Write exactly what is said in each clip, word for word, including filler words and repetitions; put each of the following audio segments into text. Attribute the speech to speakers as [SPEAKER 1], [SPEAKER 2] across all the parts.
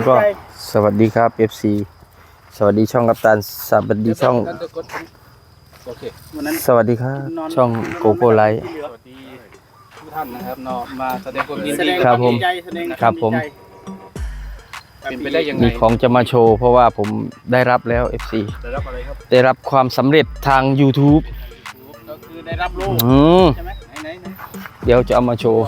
[SPEAKER 1] ก็สวัสดีครับ เอฟ ซี สวัสดีช่องกัปตันสวัสดีช่องสวัสดีครับช่องโกโก้ไลท์
[SPEAKER 2] สวัสดีทุกท่านนะครับเนาะมาแสดงความยินดี
[SPEAKER 1] ครับผม ครับผม
[SPEAKER 2] เป็นไปได้ยังไง
[SPEAKER 1] มีของจะมาโชว์เพราะว่าผมได้รับแล้ว เอฟ ซี
[SPEAKER 2] ได้รับอะไรครับ
[SPEAKER 1] ได้รับความสำเร็จทาง YouTube
[SPEAKER 2] ก็คือได้รับโล่
[SPEAKER 1] อืม
[SPEAKER 2] ใช่ไหมไหนไหนไหน
[SPEAKER 1] เดี๋ยวจะเอามาโชว์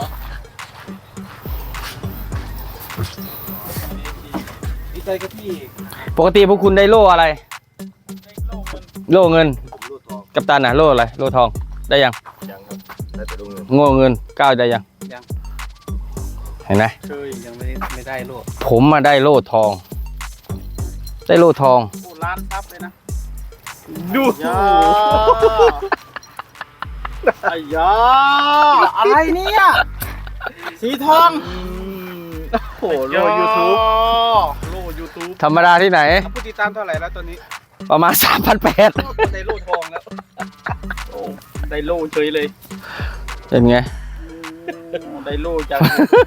[SPEAKER 2] ดีใจกับพี่
[SPEAKER 1] ปกติพวกคุณได้โล่อะไร
[SPEAKER 2] ได้โล่เงิน
[SPEAKER 1] โล่เงิน
[SPEAKER 2] ผมโล่ทอง
[SPEAKER 1] กัปตันน่ะโล่อะไรโล่ทองได้ยัง
[SPEAKER 2] ยังครับได้แต่โล่เงิน
[SPEAKER 1] โง่เงินก้าวได้ยัง
[SPEAKER 2] ยัง
[SPEAKER 1] เห็นไหม
[SPEAKER 2] เคยยังไม่ไม่ได้โล่
[SPEAKER 1] ผมมาได้โล่ทอง ได้โล่ทอง
[SPEAKER 2] โอ้ล้านซับเลยนะดู
[SPEAKER 3] ยาไอ้ยาอะไรเนี่ยสีทอง
[SPEAKER 2] โอ้โหโล่ยูทูบโล่ยูทูบ
[SPEAKER 1] ธรรมดาที่ไหน
[SPEAKER 2] ผู้ติดตามเท่าไหร่แล้วตอนนี้
[SPEAKER 1] ประมาณ สามพันแปด
[SPEAKER 2] ได้โล่ทองแล้วโอ้ได้โล่เฉยเลย
[SPEAKER 1] เป็นไง
[SPEAKER 2] โอ้ได้โล่จาก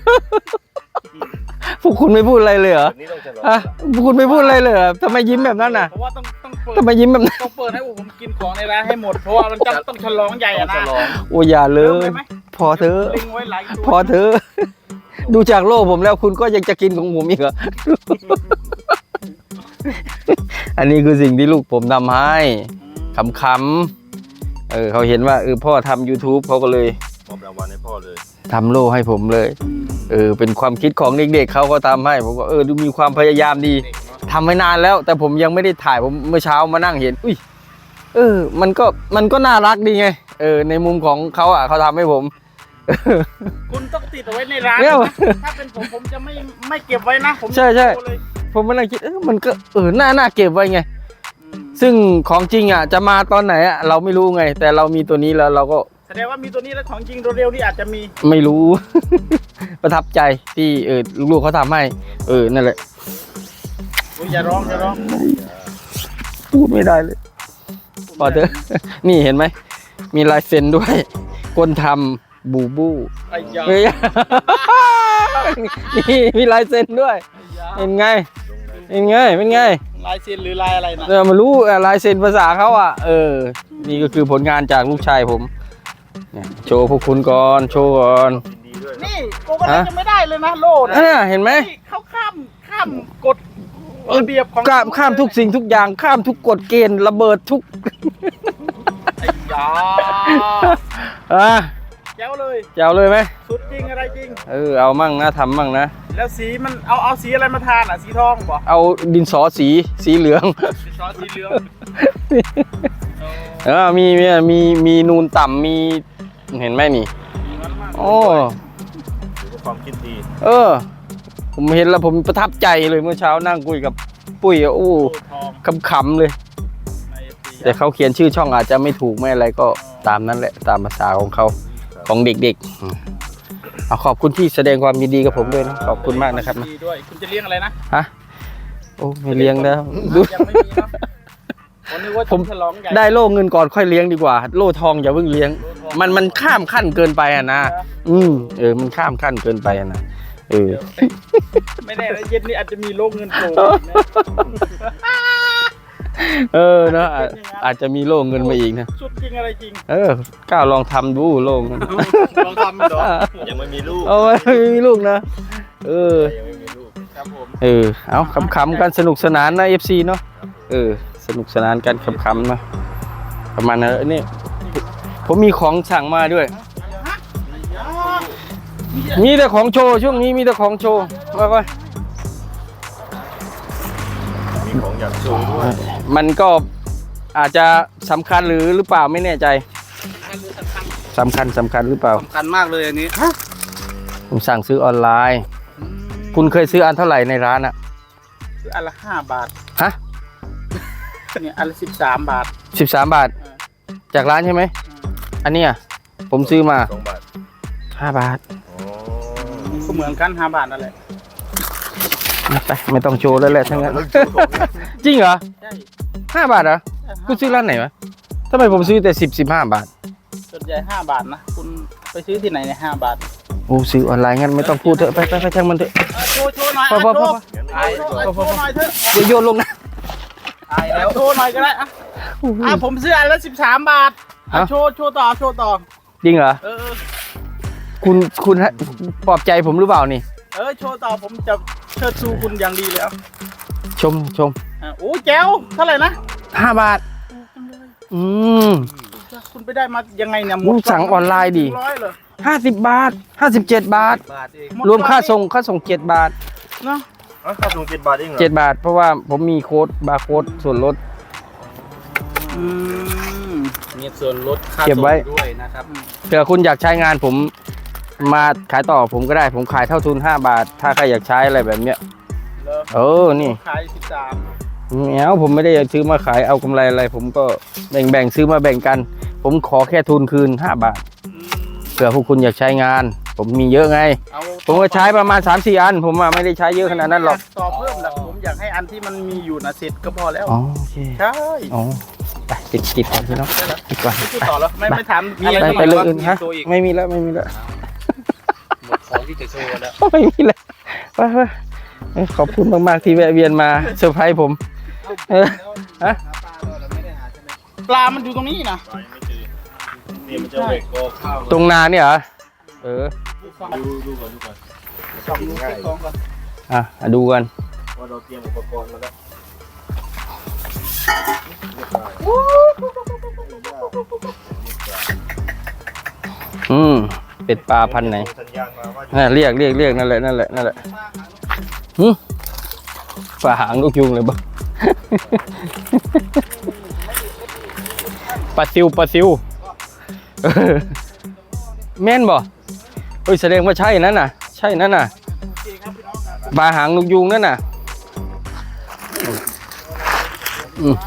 [SPEAKER 1] พวกคุณไม่พูดอะไรเลยเหรอ
[SPEAKER 2] นี่ต้องฉลอง
[SPEAKER 1] อะพวกคุณไม่พูดอะไรเลยเหรอทำไมยิ้มแบบนั้นน่ะ
[SPEAKER 2] เพราะว่าต้องต้องเปิด
[SPEAKER 1] ทำไมยิ้มแบบนั้น
[SPEAKER 2] ต้องเปิดให้ผมกินของในร้านให้หมดเพราะว่ามันจะต้องฉลองใหญ่อะนะ
[SPEAKER 1] โอ้อย่าเล
[SPEAKER 2] เริ่ม
[SPEAKER 1] ย
[SPEAKER 2] เลยไหม
[SPEAKER 1] พอเถอะ
[SPEAKER 2] ลิงไว้หลายตัว
[SPEAKER 1] พอเถอะดูจากโลกผมแล้วคุณก็ยังจะกินของผมอีกเหรอ อันนี้คือสิ่งที่ลูกผมทำให้ขำๆเออเขาเห็นว่าเออพ่อทำ YouTube เขาก็เลย
[SPEAKER 2] มอบรางวัลให้พ่อเลย
[SPEAKER 1] ทำโล่ให้ผมเลยเออเป็นความคิดของเด็กๆเขาก็ทำให้ผมก็เออดูมีความพยายามดี
[SPEAKER 2] เด็กเนาะ
[SPEAKER 1] ทำไว้นานแล้ว แต่ผมยังไม่ได้ถ่ายผมเมื่อเช้ามานั่งเห็นอุ้ยเออ มันก็มันก็น่ารักดีไงเออในมุมของเขาอ่ะเขาทำให้ผม
[SPEAKER 2] คุณต้องติดเอาไว้ในร้าน
[SPEAKER 1] เนี่ย
[SPEAKER 2] นะถ้าเป็นผมผมจะไม่ไม่เก็บไว้นะผม
[SPEAKER 1] ใช่ใช่
[SPEAKER 2] โชว์เลย
[SPEAKER 1] ผมมานั่งคิดเออมันก็เออน่าน่าเก็บไว้ไง
[SPEAKER 2] อืม
[SPEAKER 1] ซึ่งของจริงอ่ะจะมาตอนไหนอ่ะเราไม่รู้ไง แต่เรามีตัวนี้แล้วเราก็
[SPEAKER 2] แสดงว่ามีตัวนี้แล้วของจริงเร็วๆนี่อาจจะมี
[SPEAKER 1] ไม่รู้ ประทับใจที่เออลูกๆเขาทำให้ เออนั่นแหละ
[SPEAKER 2] โอ้ยอย่าร้องอย่าร้อง
[SPEAKER 1] พูดไม่ได้เลยพอเถอะ นี่เห็นไหมมีลายเซ็นด้วย คนทำบูบู
[SPEAKER 2] ไอ้ยา
[SPEAKER 1] เฮ้ย นี่มีลายเซ็นด้วย
[SPEAKER 2] ไอ้ยา
[SPEAKER 1] เป็นไงเป็นไงเป็นไง
[SPEAKER 2] ลายเซ็นหรือลายอะไรนะ
[SPEAKER 1] เออมารู้อ่ะลายเซ็นภาษาเขาอ่ะเออ นี่ก็คือผลงานจากลูกชายผมเนี่ยโชว์พวกคุณก่อนโชว์ก่อน
[SPEAKER 2] นี่โกก็ได้ยังไม่ได้เลยนะโล่นะ
[SPEAKER 1] อ่าเห็นไหม
[SPEAKER 2] นี่เขาข้ามข้ามกฎระเบียบของ
[SPEAKER 1] ข้ามข้ามทุกสิ่งทุกอย่างข้ามทุกกฎเกณฑ์ระเบิดทุก
[SPEAKER 2] ไอ้ยา
[SPEAKER 1] อ่ะ
[SPEAKER 2] แจ๋วเลย
[SPEAKER 1] จะเอาเลยไหม
[SPEAKER 2] สุดจริงอะไรจริง
[SPEAKER 1] เออเอามั่งนะทำมั่งนะ
[SPEAKER 2] แล้วสีมันเอาเอาสีอะไรมาทานอ่ะสีทองบอก
[SPEAKER 1] เอาดินสอสีสีเหลือง
[SPEAKER 2] สีซอสสีเหลือง
[SPEAKER 1] เออมีมีมีมีนูนต่ำมีเห็นไหมนี่ โอ้
[SPEAKER 2] ถือว่าความคิดดี
[SPEAKER 1] เออ ผมเห็นแล้วผมประทับใจเลยเมื่อเช้านั่งคุยกับปุ้ยอ่ะโอ้
[SPEAKER 2] โล่ทอง
[SPEAKER 1] ขำๆเลย
[SPEAKER 2] ในสี
[SPEAKER 1] แต่เขาเขียนชื่อช่องอาจจะไม่ถูกไม่อะไรก็ตามนั้นแหละตามภาษาของเขาของเด็กๆอืมเอาขอบคุณที่แสดงความยินดีกับผมด้วยนะขอบคุณมากนะครับนะ
[SPEAKER 2] ดีด้วยคุณจะเลี้ยงอะไรนะ
[SPEAKER 1] ฮะโอ้ไม่เลี้ยงแล้วดู
[SPEAKER 2] ยังไม่มีเนาะผมนึกว่า
[SPEAKER 1] ผม
[SPEAKER 2] จะฉลองใหญ่
[SPEAKER 1] ได้โล่เงินก่อนค่อยเลี้ยงดีกว่า โล่ทองอย่าเพิ่งเลี้ยง
[SPEAKER 2] โล่ทอง
[SPEAKER 1] มันมันข้ามขั้นเกินไปอ่ะนะอืมเออมันข้ามขั้นเกินไปอ่ะนะเออ
[SPEAKER 2] ไม่แน่นะเย็นนี้อาจจะมีโล่เงินโผล่อีกนะ
[SPEAKER 1] เออเนอะอาจอาจจะมีโล่เงินมาอีกนะ
[SPEAKER 2] สุดจริงอะไรจริง
[SPEAKER 1] เออก้าวลองทำดูโล่เงิน
[SPEAKER 2] ลองทำดูยังไม่มีลูก
[SPEAKER 1] เอาไว้ไม่มีลูกนะเออ
[SPEAKER 2] ยังไม่มีลูกครับผม
[SPEAKER 1] เออเอาขำๆกันสนุกสนานนะ เอฟ ซี เนาะเออสนุกสนานกันขำๆนะประมาณนั้นนี่ผมมีของสั่งมาด้วย มีแต่ของโชว์ช่วงนี้มีแต่ของโชว์มาไป
[SPEAKER 2] มีของอยากโชว์ด้วย
[SPEAKER 1] มันก็อาจจะสำคัญหรือหรือเปล่าไม่แน่ใจสำคัญสำคัญหรือเปล่า
[SPEAKER 2] สำคัญมากเลยอันนี้
[SPEAKER 1] ผมสั่งซื้อออนไลน์ คุณเคยซื้ออันเท่าไหร่ในร้านอะ
[SPEAKER 2] คืออันละห้าบาท
[SPEAKER 1] ฮะ
[SPEAKER 2] เนี่ยอันละสิบสามบาท
[SPEAKER 1] สิบสามบาท จากร้านใช่ไหมอันเนี้ยผมซื้อมา
[SPEAKER 2] สองบาท
[SPEAKER 1] ห้าบาท
[SPEAKER 2] ก็เหมือนกันห้าบาทนั่นแหละ
[SPEAKER 1] ไปไม่ต้องโชว์แล้วแหละทั้งนั้น จริงเหรอ
[SPEAKER 2] ใช่
[SPEAKER 1] ห้าบาทเหรอคุณซื้อร้านไหนวะทำไมผมซื้อแต่สิบสิบห้าบาท
[SPEAKER 2] ส่วนใหญ่ห้าบาทนะคุณไปซื้อที่ไหนเนี่ยห้าบาท
[SPEAKER 1] โอ้ซื้อออนไลน์งั้นไม่ต้องพูดเถอะไปไปไปช่างมันเถอะ
[SPEAKER 2] เอาโชว์โชว์หน่อย
[SPEAKER 1] พอพอพอ
[SPEAKER 2] โชว์
[SPEAKER 3] ไอ้โชว์โชว์หน่อยเถอะ
[SPEAKER 1] เดี๋ยวโยนลงนะ
[SPEAKER 3] ไอ้แล้วโชว์หน่อยก็ได้อะอ่ะผมซื้ออันละสิบสามบาทอ่ะโชว์โชว์ต่อโชว์ต่อ
[SPEAKER 1] จริงเหรอ
[SPEAKER 3] เออ
[SPEAKER 1] คุณคุณให้ปลอบใจผมหรือเปล่านี่
[SPEAKER 3] เออโชว์ต่อผมจะเชิดชูคุณอย่างดีเลยอ่ะ
[SPEAKER 1] ชมชม
[SPEAKER 3] อ่ะโอ้แจ๋วเท่าไหร่นะ
[SPEAKER 1] ห้าบาท อืม
[SPEAKER 3] คุณไปได้มายังไงเนี่ย
[SPEAKER 1] มึงสั่งออนไลน์ดิ
[SPEAKER 3] ร้อยเหรอ
[SPEAKER 1] ห้าสิบบาทห้าสิบเจ็ดบาท
[SPEAKER 2] บาทเอง
[SPEAKER 3] หด
[SPEAKER 1] รวมค่า
[SPEAKER 3] ก่อน
[SPEAKER 1] ส่งค่าส่งเจ็ดบาท
[SPEAKER 3] เนาะ
[SPEAKER 2] อ๋อค่าส่งเจ็ดบาทเองเหรอ
[SPEAKER 1] เจ็ดบาท เพราะว่าผมมีโค้ดบาร์โค้ดส่วนลด
[SPEAKER 3] อืม
[SPEAKER 2] มีส่วนลดค่า
[SPEAKER 1] เก็บไว้
[SPEAKER 2] ส่งด้วยนะครับ
[SPEAKER 1] เผื่อคุณอยากใช้งานผมมาขายต่อผมก็ได้ผมขายเท่าทุนห้าบาท ถ้าใครอยากใช้อะไรแบบเนี้ย
[SPEAKER 3] เหรอ
[SPEAKER 1] เออนี่
[SPEAKER 3] ขายสิบสาม
[SPEAKER 1] แมวผมไม่ได้อยากซื้อมาขายเอากำไรอะไร ผมก็แบ่งแบ่งซื้อมาแบ่งกัน ผมขอแค่ทุนคืนห้าบาทเผื่อพวกคุณอยากใช้งาน ผมมีเยอะไง
[SPEAKER 3] เอา
[SPEAKER 1] ผมก็ใช้ประมาณ สามสี่ อัน ผมอะไม่ได้ใช้เยอะขนาดนั้นหรอก
[SPEAKER 3] ต่อเพิ่มหรอกผมอยากให้อันที่มันมีอยู่นะเสร็จก็พอแล้ว
[SPEAKER 1] อ๋อโอเค
[SPEAKER 3] ใช่
[SPEAKER 1] อ๋อไปติดติดก่อนพี่น้องติดก่อน
[SPEAKER 3] พูดต่อแล้วไม่ไม่ถาม
[SPEAKER 2] มี
[SPEAKER 3] อะไร
[SPEAKER 2] อะไร
[SPEAKER 1] ไปไปเรื่องอื่นฮะ
[SPEAKER 2] ตัวอีก
[SPEAKER 1] ไม่มีแล้วไม่มีแล้ว
[SPEAKER 2] หมดของที่จะโชว์แล้ว
[SPEAKER 1] ไม่มีแล้วไปไปเอ้ยขอบคุณมากๆที่แวะเวียนมาเซอร์ไพรส์ผมเออฮะ
[SPEAKER 3] ปลามันอยู่ตรงนี้นะ
[SPEAKER 2] นี่มันจะเบรกโกข้าว
[SPEAKER 1] ตรงนาเนี่ยเหรอเออ
[SPEAKER 2] ดูดูก่อนดูก่อน
[SPEAKER 3] สองลูกเก็บของก่อน
[SPEAKER 1] อ่ะดูกัน
[SPEAKER 2] ว่าเราเตรียมอุปกรณ์มาแล้ว
[SPEAKER 1] อืมเป็ดปลาพันธุ์ไหน
[SPEAKER 2] สัญญาณมาว่า
[SPEAKER 1] น่ะเรียกเรียกเรียกนั่นแหละนั่นแหละนั่นแหละหืมฝ่าหางนกยุงเลยบ้า ปลาซิวปลาซิวเออแม่นบ่เฮ้ยแสดงว่าใช่นั่นน่ะ ใช่นั่นน่ะปลาหางนกยุงนั่นน่ะอืม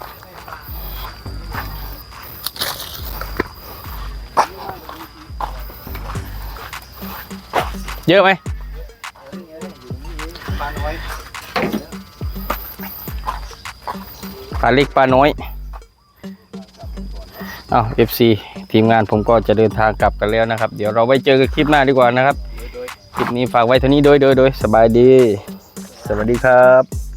[SPEAKER 1] เยอะไหม
[SPEAKER 3] ปลาน้อย
[SPEAKER 1] ปลาเล็กปลาน้อยอ้าว เอฟ ซี ทีมงานผมก็จะเดินทางกลับกันแล้วนะครับ เดี๋ยวเราไว้เจอกันคลิปหน้าดีกว่านะครับ คลิปนี้ฝากไว้เท่านี้โดยโดยโดยสบายดี สวัสดีครับ